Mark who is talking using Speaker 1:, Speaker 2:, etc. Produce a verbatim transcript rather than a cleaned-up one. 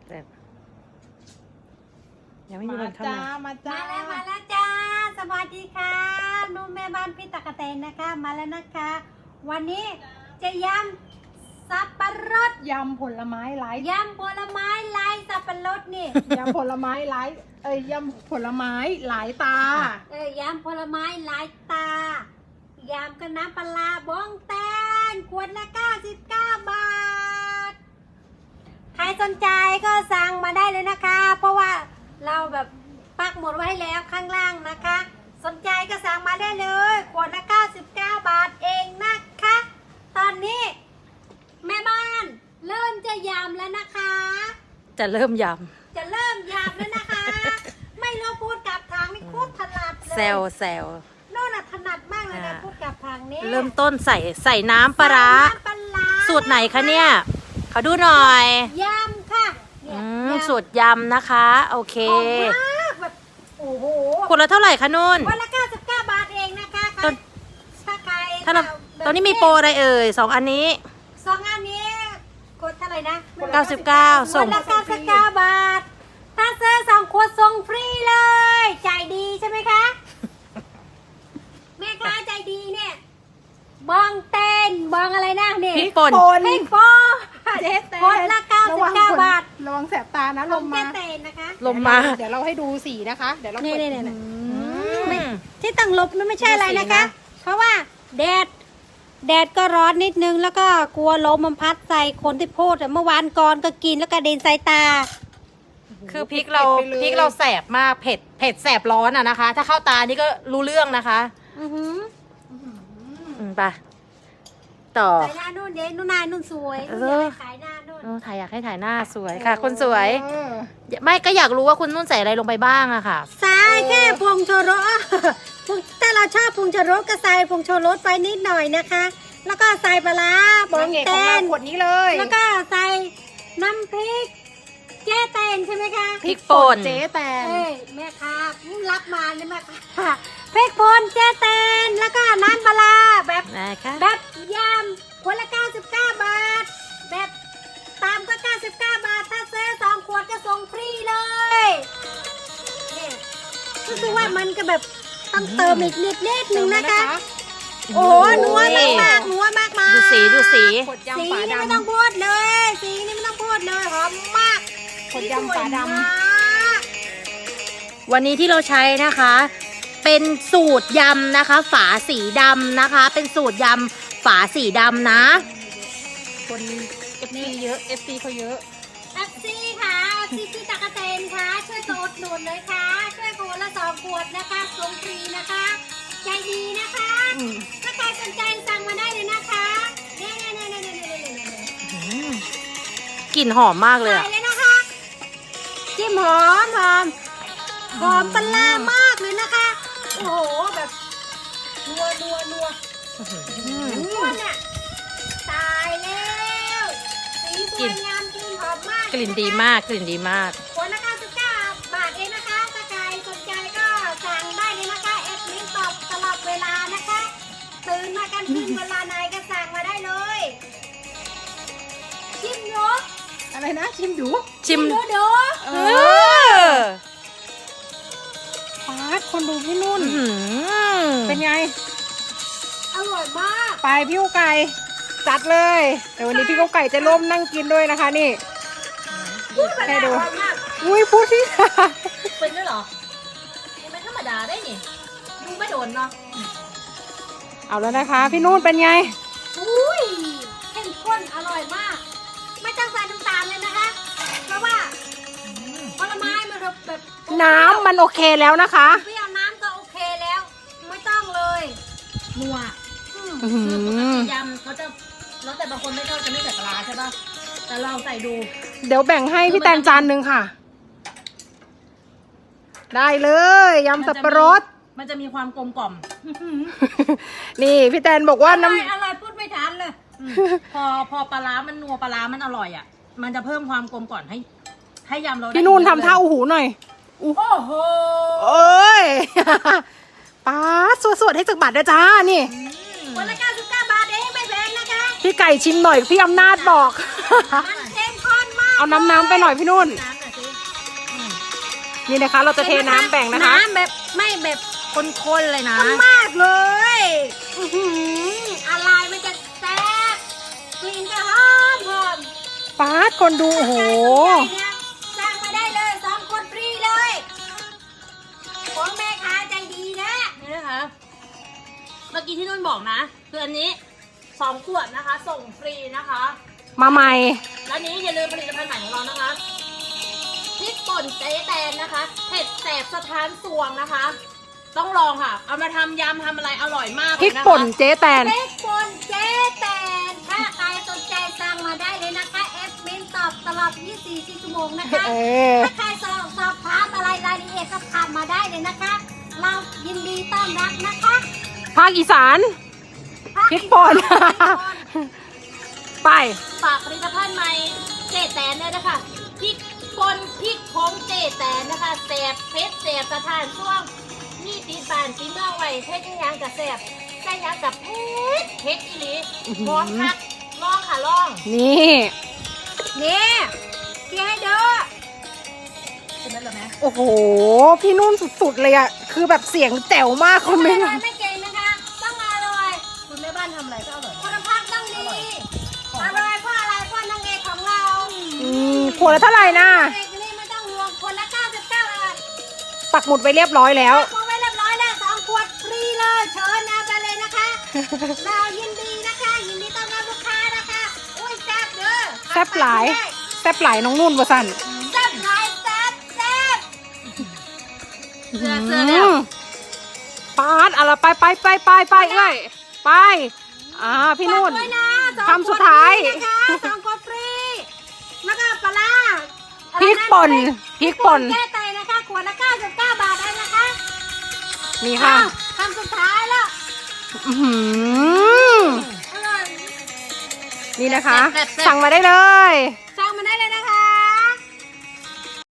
Speaker 1: แต่ยังไม่มีคนเข้ามา
Speaker 2: มาจ้า
Speaker 3: มาแล้วมาแล้วจ้าสวัสดีค่ะนุ่มแม่บ้านพี่ตะกะแตนนะคะมาแล้วนะคะ วันนี้จะยำสับปะรด
Speaker 2: ยำผลไม้ไร้
Speaker 3: ยำผลไม้ลายสับปะรดนี่
Speaker 2: ยำผลไม้ไร้เอ้ยยำผลไม้หลายตา
Speaker 3: เอ้ยยำผลไม้ลายตายำกับน้ำปลาบ้องแตนขวดละเก้าสิบเก้าบาทใครสนใจก็สั่งมาได้เลยนะคะ เพราะว่าเราแบบปักหมดไว้แล้วข้างล่างนะคะ สนใจก็สั่งมาได้เลยขวดละเก้าสิบเก้าบาทเองนะคะ ตอนนี้แม่บ้านเริ่มจะยำแล้วนะคะ
Speaker 1: จะเริ่มย
Speaker 3: จะเริ่มยำแล้วนะคะ ไม่รู้พูดกับทางนี่พูดถนัดเล
Speaker 1: ำ
Speaker 3: ย
Speaker 1: แซวแซว
Speaker 3: โน่นน่ะถนัดมากเลยนะ
Speaker 1: อ่า
Speaker 3: พูดกับทางนี้
Speaker 1: เริ่มต้นใส่ใส่น้ำปลาร้า
Speaker 3: ใส่น้ำปลาร้า
Speaker 1: สูตรไหนคะเนี่ยขอดูหน่อย
Speaker 3: ยำค่ะเนี่ย
Speaker 1: อืม
Speaker 3: ยำ
Speaker 1: สูตรยำนะคะ โอเค
Speaker 3: หอมมากแบบโอ้โห
Speaker 1: ขวดละเท่าไหร่คะนุ่น
Speaker 3: วันละเก้าสิบเก้าบาทเองนะคะ
Speaker 1: ต้น
Speaker 3: ถ้าใคร
Speaker 1: ถ้าเรา
Speaker 3: แบบ
Speaker 1: ตอนนี้มีโปรอะไรเอ่ยสองอันนี้
Speaker 3: สองอันนี้กดเท่าไหร่นะ
Speaker 1: เก้าสิบเก้าส่
Speaker 3: วั
Speaker 1: ง
Speaker 3: นละเก้าสิบเก้าบาท ถ้าซื้อสองขวดส่งฟรีเลยใจดีใช่ไหมคะ แม่ค้าใจดีเนี่ยบองเต้นบองอะไรนะเนี่ย
Speaker 1: พริกป่น
Speaker 3: พริกป่น
Speaker 2: เจ๊แตน
Speaker 3: ขวดละเก้าสิบเก้าบาท
Speaker 2: ระวังแสบตานะ
Speaker 3: ล
Speaker 2: ล
Speaker 3: ม
Speaker 2: ม
Speaker 3: แม่
Speaker 2: มา
Speaker 3: เต้นนะคะ
Speaker 1: ลมมา
Speaker 2: เดี๋ยวเราให้ดูสีนะคะ เดี๋ยวเรา
Speaker 3: นี่
Speaker 2: เปิด
Speaker 3: นี่นี่
Speaker 1: อืม
Speaker 3: ที่ตั้งลบนั่นไม่ใช่อะไรนะคะ
Speaker 1: ดูสีนะ
Speaker 3: เพราะว่าแดดแดดก็ร้อนนิดนึง แล้วก็กลัวลมมันพัดใส่คนที่พูดอะเมื่อวานก่อนก็กินแล้วก็เด็นใส่ตา
Speaker 1: คือพริกเราพริกเราแสบมากเผ็ดเผ็ดแสบร้อนอะนะคะ ถ้าเข้าตานี่ก็รู้เรื่องนะคะ
Speaker 3: อือหือ
Speaker 1: อืมไปต่อ
Speaker 3: ใส่หน้านู่นเด็นู่นนายนู่นสวย
Speaker 1: เออ
Speaker 3: นู่นอยากให้ขายหน้านู่น
Speaker 1: โอ้ถ่ายอยากให้ถ่ายหน้าสวยค่ะ คนสวย
Speaker 2: เออ
Speaker 1: ไม่ก็อยากรู้ว่าคุณนุ่นใส่อะไรลงไปบ้างอะค่ะ
Speaker 3: ใส่แค่ผงชูรส ผงถ้าเราชอบผงชูรสก็ใส่ผงชูรสไปนิดหน่อยนะคะ แล้วก็ใส่ปลาร้าบอน
Speaker 2: าง งเอกของ
Speaker 3: เต้
Speaker 2: เรา
Speaker 3: น
Speaker 2: ขวดนี้เลย
Speaker 3: แล้วก็ใส่น้ำพริกแจ้เต้นใช่ไหมคะ
Speaker 1: พริกป่น
Speaker 2: เจ๊แตน
Speaker 3: เอ้ยแม่ค้ารับมาเลยแม่ค้าพริกป่นแจ้เต้นแล้วก็น้ำปลาร้าแบบ
Speaker 1: นะคะ
Speaker 3: แบบยำขวดละเก้าสิบเก้าบาท แบบตามก็เก้าสิบเก้าบาท ถ้าซื้อสองขวดก็ส่งฟรีเลยเนี่ยรู้สึกว่ามันก็แบบต้องเติมอีกนิดนิดนึงนะคะ โอ้โหนัวมากมากๆนัวมากมาก
Speaker 1: ดูสีดูสี
Speaker 2: ขวด
Speaker 3: สี
Speaker 2: ยำฝา
Speaker 3: นี่ไม่
Speaker 2: ดำ
Speaker 3: ต้องพูดเลย สีนี่ไม่ต้องพูดเลยหอมมาก
Speaker 2: ขวดยำฝาดำ
Speaker 3: สวยมาก
Speaker 1: วันนี้ที่เราใช้นะคะ เป็นสูตรยำนะคะ ฝาสีดำนะคะ เป็นสูตรยำฝาสีดำนะ
Speaker 2: คนเอฟซีเยอะเอฟซีเขาเยอะ
Speaker 3: เอฟซีค่ะเอฟซีพี่ตะกะเตนค่ะช่วยกดหนุนเลยค่ะ ช่วยขวดละสองขวดนะคะส่งฟรีนะคะ ใจดีนะคะ
Speaker 2: อืม
Speaker 3: ถ้าใครสนใจสั่งมาได้เลยนะคะเนี่ยเนี่ยเนี่ยเนี่ยเนี่ยเนี่ยเนี่ย
Speaker 1: กลิ่นหอมมากเลย
Speaker 3: ใส่
Speaker 1: อะ
Speaker 3: เลยนะคะจิ้มหอมหอมหอมปลาร้ามากเลยนะคะ โอ้โหแบบนัวนัวนัวนัวน่ะตายแล้วสีสวยงามกลิ่นหอมมาก
Speaker 1: กลิ่นดีมากกลิ่นดีมาก
Speaker 3: ขวดละเก้าสิบเก้าบาทเองนะคะ ถ้าใครสนใจก็สั่งได้เลยนะคะแอดมินตอบตลอดเวลานะคะ ตื่นมากันทิ้งเวลาไหนก็สั่งมาได้เลยชิมดู
Speaker 2: อะไรนะชิมดู
Speaker 1: ชิม
Speaker 3: ดูดู
Speaker 2: เอ
Speaker 1: เอ
Speaker 2: อ
Speaker 1: อ
Speaker 2: ปาดคนดูพี่นุ่น
Speaker 1: อื้อหือ
Speaker 2: เป็นไง
Speaker 3: อร่อยมาก
Speaker 2: ไปพี่กุ๊กไก่จัดเลยเดี๋ยววันนี้พี่กุ๊กไก่จะร่วมนั่งกินด้วยนะคะนี่ ให้ดู
Speaker 3: อร่อยมาก
Speaker 2: อุ้ยพูดที่
Speaker 1: เป็นด้วยเหรอไม่ธรรมดาได้นี่ดูไม่โดนเนาะ
Speaker 2: เอาแล้วนะคะ พี่นุ่นเป็นไง
Speaker 3: อุ้ยเข้มข้นอร่อยมาก ไม่ต้องใส่น้ำตาลเลยนะคะ เพราะว่าผลไม้มันแบบ
Speaker 2: น้ำมันโอเคแล้วนะคะ
Speaker 3: เปรี้ยวน้ำก็โอเคแล้ว ไม่ต้องเลย
Speaker 1: นัว
Speaker 3: อืม
Speaker 2: อื้อหื
Speaker 1: คือปก
Speaker 2: อ
Speaker 1: ติยำเขาจะแล้วแต่บางคนไม่ชอบจะไม่ใส่ปลาร้าใช่ป่ะแต่ลองใส่ดู
Speaker 2: เดี๋ยวแบ่งให้พี่แตนจานหนึ่งค่ะ ได้เลยยำสับปะรด
Speaker 1: มันจะมีความกลมกล่อม
Speaker 2: นี่พี่แตนบอกว่า
Speaker 3: อร่อย
Speaker 2: น้ำ
Speaker 3: อร่อยพูดไม่ทันเลย
Speaker 1: อืมพอพอปลาร้ามันนัวปลาร้ามันอร่อยอ่ะ มันจะเพิ่มความกลมกล่อมให้ ให้ยำเราได้
Speaker 2: พี่นุ่นทำ
Speaker 1: เยอะเลย
Speaker 2: ท่าอูหูหน่อยอู้
Speaker 3: โอ้โห
Speaker 2: เอ้ย ป้าดสวดๆให้สึกบัตรนะจ้านี่
Speaker 3: วันละเก้าสิบเก้าบาทเองไม่แพงนะคะ
Speaker 2: พี่ไก่ชิมหน่อยพี่อำนาจบอก
Speaker 3: มันเข้มข้นมา
Speaker 2: เอาน้ำน้ำไปหน่อยพี่นุ่น
Speaker 1: น้ำหน่อยสิ
Speaker 2: นี่นะคะ เราจะเทน้ำแบ่งนะคะ
Speaker 1: น้ำแบบไม่แบบข้นๆเลยนะ
Speaker 3: มากเลยอื้อหืออะไรมันจะแซ่บกลิ่นจะหอมหอม
Speaker 2: ป๊าดคนดูโอ้โห
Speaker 3: เนี่ยสั่งมาได้เลยสองคนฟรีเลยของแม่ค้าใจดีนะ
Speaker 1: นี่นะคะ เมื่อกี้ที่นุ่นบอกนะ คืออันนี้สองขวดนะคะ ส่งฟรีนะคะ
Speaker 2: มาใหม่
Speaker 1: แล้วนี้อย่าลืมผลิตภัณฑ์ใหม่ของเรานะคะพริกป่นเจ๊แตนนะคะเผ็ดแสบสะท้านสวงนะคะ ต้องลองค่ะ เอามาทำยำทำอะไรอร่อยมากเลย
Speaker 2: พริก
Speaker 1: นะคะ
Speaker 2: ป่นเจ๊แตน
Speaker 3: เล็กปนเจ๊แตนถ้าใครสนใจสั่งมาได้เลยนะคะเอฟมินตอบตลอดยี่สิบสี่ชั่วโมงนะคะ
Speaker 2: เออ
Speaker 3: ถ้าใครสอบสอบถามอะไรรายละเอียดก็ถามมาได้เลยนะคะ เรายินดีต้อนรับนะคะ
Speaker 2: ภาคอีสาน พริกป่น ไป
Speaker 1: ฝากผลิตภัณฑ์ใหม่เจ๊แตนเลยนะคะพริกป่นพริกผงเจ๊แตนนะคะแสบเผ็ดแสบสะท้านช่วงมีตีบานตีเมื่อไว้เผ็ดยังกับแสบใส่ยังกับเผ็ดเผ็ดอีหลี
Speaker 2: อื้อหือ
Speaker 1: พร้อมคักลองค่ะลอง
Speaker 2: นี่
Speaker 3: นี่ที่ให้ดู
Speaker 1: ใช่ไหมล่ะแม่
Speaker 2: โอ้โห พี่นุ่นสุดๆเลยอะคือแบบเสียงแจ๋วมากคอมเมนต์
Speaker 3: อร่อยไม่เก่งนะคะ ต้องอร่อย
Speaker 1: คุณแม่บ้านทำอะไรก็อร่อย
Speaker 3: คุณภาพต้องดี อร่อยเพราะอะไรเพราะนางเอกของเรา
Speaker 2: อืมขวดละเท่าไหร่นะ
Speaker 3: นางเอกนี่ไม่ต้องห่วงคนละเก้าสิบเก้าบาท
Speaker 2: ปักหมุดไว้เรียบร้อยแล้ว
Speaker 3: พอไว้เรียบร้อยแล้วสองขวดฟรีเลยเชิญนะไปเลยนะคะ เรายินดีนะคะ ยินดีต้อนรับลูกค้านะคะอุ้ยแซ่บเด้อ
Speaker 2: แซ่บหลาย แซ่บหลายน้องนุ่นวะสัน
Speaker 3: แซ่บหลายแซ่บแซ่บ
Speaker 1: เสื้อเสื้อแล้ว
Speaker 2: มปาดอะไรไปไปไปไปไปเอ้ยไป อ่า พี่นุ่น
Speaker 3: ฝากด้วยนะสอง
Speaker 2: คำสุดท้าย
Speaker 3: ขวดฟรีนะคะสองขวดฟรี แล้วก็ปลาร้า
Speaker 2: พริกป่นพริกป่น
Speaker 3: แก้ไตนะคะขวดละเก้าสิบเก้าบาทเองนะคะ
Speaker 2: นี่ค่ะ
Speaker 3: อ้าวคำสุดท้ายแล้ว
Speaker 2: อื้อหือ
Speaker 3: อร่อย
Speaker 2: นี่นะคะ
Speaker 1: แซ่บแซ่บแซ่บ
Speaker 2: สั่งมาได้เลย
Speaker 3: สั่งมาได้เลยนะคะ